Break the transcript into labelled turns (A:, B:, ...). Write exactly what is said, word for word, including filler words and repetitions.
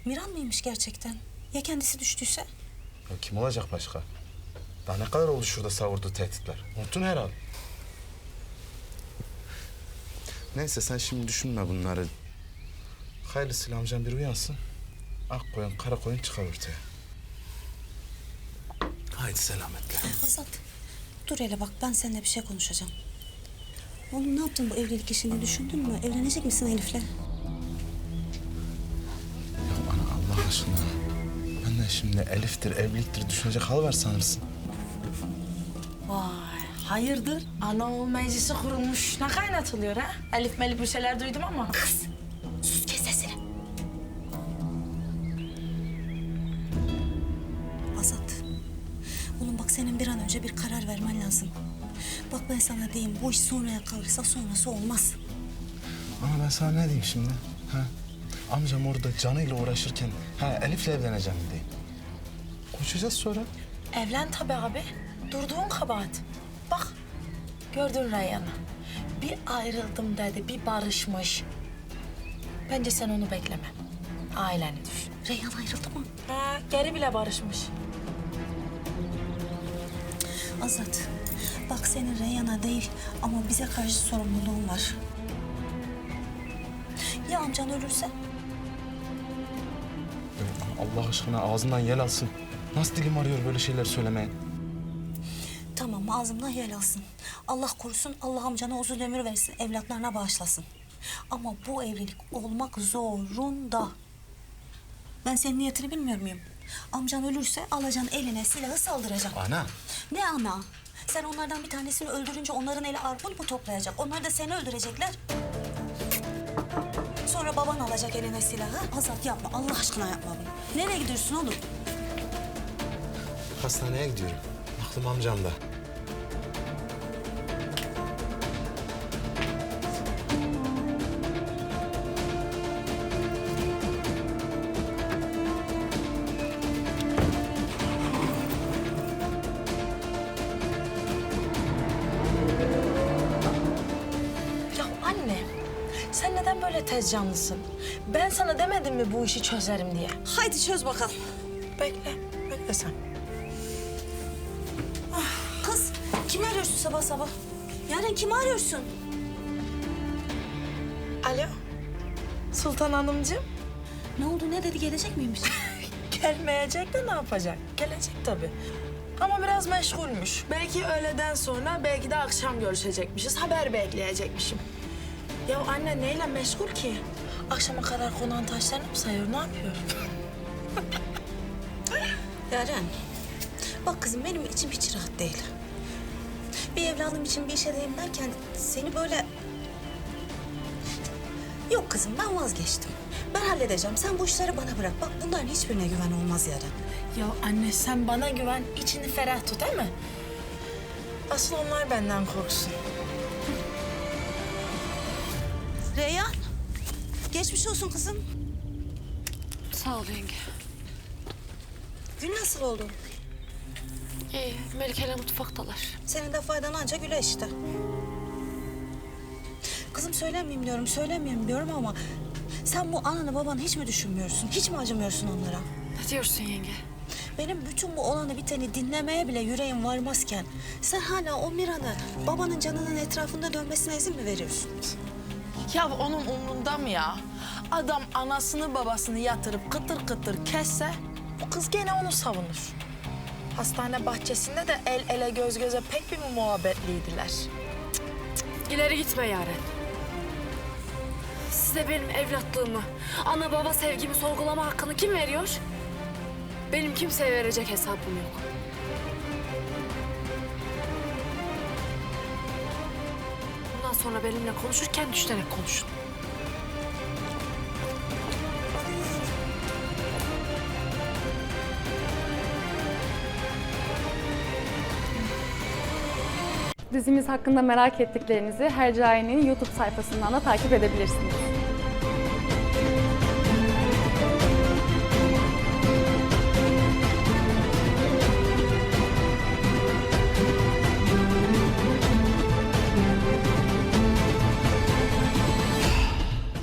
A: Miran mıymış gerçekten? Ya kendisi düştüyse?
B: Ya kim olacak başka? Daha ne kadar oldu şurada savurduğu tehditler? Unuttun herhalde. Neyse sen şimdi düşünme bunları. Hayırlısıyla amcam bir uyansın. Ak koyun, kara koyun çıkar ortaya. Haydi selametle.
A: Azat, dur hele bak ben seninle bir şey konuşacağım. Oğlum ne yaptın bu evlilik işini düşündün mü? Evlenecek misin Elif'le?
B: Ya ana Allah aşkına. Ben de şimdi Elif'tir, evliliktir düşünecek hal var sanırsın.
C: Vay, hayırdır? Ana oğul meclisi kurulmuş. Ne kaynatılıyor ha? Elif melif bir şeyler duydum ama.
A: Kız, sus kes sesini. Azat, oğlum bak senin bir an önce bir karar vermen lazım. Bak ben sana diyeyim, bu iş sonraya kalırsa sonrası olmaz.
B: Ama ben sana ne diyeyim şimdi? Ha? Amcam orada canıyla uğraşırken ha Elif'le evleneceğim diyeyim. Konuşacağız sonra.
C: Evlen tabii abi. Durduğun kabahat. Bak, gördün Reyhan'ı. Bir ayrıldım dedi, bir barışmış. Bence sen onu bekleme. Aileni düşün.
A: Reyhan ayrıldı mı?
C: Ha, geri bile barışmış.
A: Azat, bak senin Reyhan'a değil ama bize karşı sorumluluğun var. Ya amcan ölürse?
B: Allah aşkına ağzından yel alsın. Nasıl dilim arıyor böyle şeyler söylemeye?
A: Tamam ağzımdan yel alsın. Allah korusun, Allah amcana uzun ömür versin, evlatlarına bağışlasın. Ama bu evlilik olmak zorunda. Ben senin niyetini bilmiyor muyum? Amcan ölürse alacaksın eline silahı saldıracaksın.
B: Ana.
A: Ne ana? Sen onlardan bir tanesini öldürünce onların eli arpun mu toplayacak? Onlar da seni öldürecekler. Sonra baban alacak eline silahı. Azat yapma, Allah aşkına yapma bunu. Nereye gidiyorsun oğlum?
B: Hastaneye gidiyorum. Aklım amcamda.
C: Ya anne, sen neden böyle tez canlısın? Ben sana demedim mi bu işi çözerim diye?
A: Haydi çöz bakalım.
C: Bekle, bekle sen.
A: Kız, kimi arıyorsun sabah sabah? Yaren kimi arıyorsun?
C: Alo, Sultan Hanımcığım.
A: Ne oldu, ne dedi, gelecek miymiş?
C: Gelmeyecek de ne yapacak? Gelecek tabii. Ama biraz meşgulmüş. Belki öğleden sonra, belki de akşam görüşecekmişiz. Haber bekleyecekmişim. Ya anne neyle meşgul ki? Akşama kadar konağın taşlarını mı sayıyor, ne yapıyor?
A: Yaren, bak kızım benim içim hiç rahat değil. Bir evladım için bir işe edeyim derken seni böyle... Yok kızım ben vazgeçtim. Ben halledeceğim. Sen bu işleri bana bırak. Bak bunların hiçbirine güven olmaz Yaren.
C: Ya anne sen bana güven, içini ferah tut değil mi? Asıl onlar benden korksun.
A: Reyhan, geçmiş olsun kızım.
D: Sağ ol yenge.
A: Gün nasıl oldu?
D: İyi, Melike'yle mutfaktalar.
A: Senin de faydan anca güle işte. Kızım söylemeyeyim diyorum, söylemeyeyim diyorum ama... Sen bu ananı babanı hiç mi düşünmüyorsun? Hiç mi acımıyorsun onlara?
D: Ne diyorsun yenge?
A: Benim bütün bu olanı biteni dinlemeye bile yüreğim varmazken... Sen hala o Miran'ı babanın canının etrafında dönmesine izin mi veriyorsun?
C: Ya onun umrunda mı ya? Adam anasını babasını yatırıp kıtır kıtır kesse... ...bu kız gene onu savunur. Hastane bahçesinde de el ele göz göze pek bir muhabbetliydiler.
D: İleri gitme Yaren. Size benim evlatlığımı, ana baba sevgimi sorgulama hakkını kim veriyor? Benim kimseye verecek hesabım yok. Bundan sonra benimle konuşurken düşünerek konuşun.
E: Dizimiz hakkında merak ettiklerinizi Hercai'nin YouTube sayfasından da takip edebilirsiniz.